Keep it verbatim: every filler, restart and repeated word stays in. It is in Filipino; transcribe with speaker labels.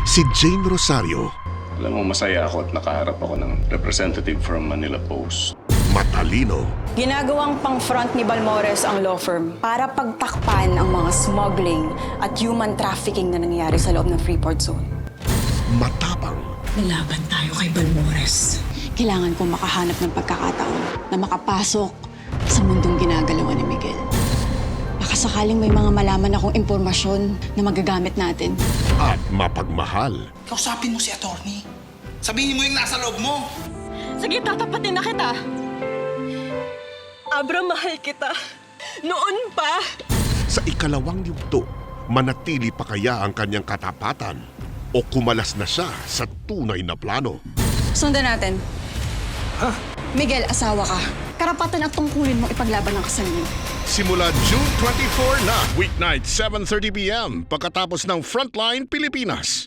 Speaker 1: si Jane Rosario.
Speaker 2: Alam mo, masaya ako at nakaharap ako ng representative from Manila Post.
Speaker 1: Matalino.
Speaker 3: Ginagawang pang-front ni Balmores ang law firm para pagtakpan ang mga smuggling at human trafficking na nangyayari sa loob ng Freeport Zone.
Speaker 1: Matapang.
Speaker 4: Lalaban tayo kay Balmores.
Speaker 3: Kailangan kong makahanap ng pagkakataon na makapasok sa mundong ginagalawan ni Miguel. Baka sakaling may mga malaman akong impormasyon na magagamit natin.
Speaker 1: At mapagmahal.
Speaker 5: Kausapin mo si attorney. Sabihin mo yung nasa loob mo.
Speaker 6: Sige, tatapatin na kita. Abra, mahal kita. Noon pa.
Speaker 1: Sa ikalawang yugto, manatili pa kaya ang kanyang katapatan o kumalas na siya sa tunay na plano?
Speaker 3: Sundan natin. Miguel, asawa ka. Karapatan at tungkulin mo ipaglaban ang kasal niyo.
Speaker 1: Simula June twenty-fourth na, weeknight seven thirty p m pagkatapos ng Frontline Pilipinas.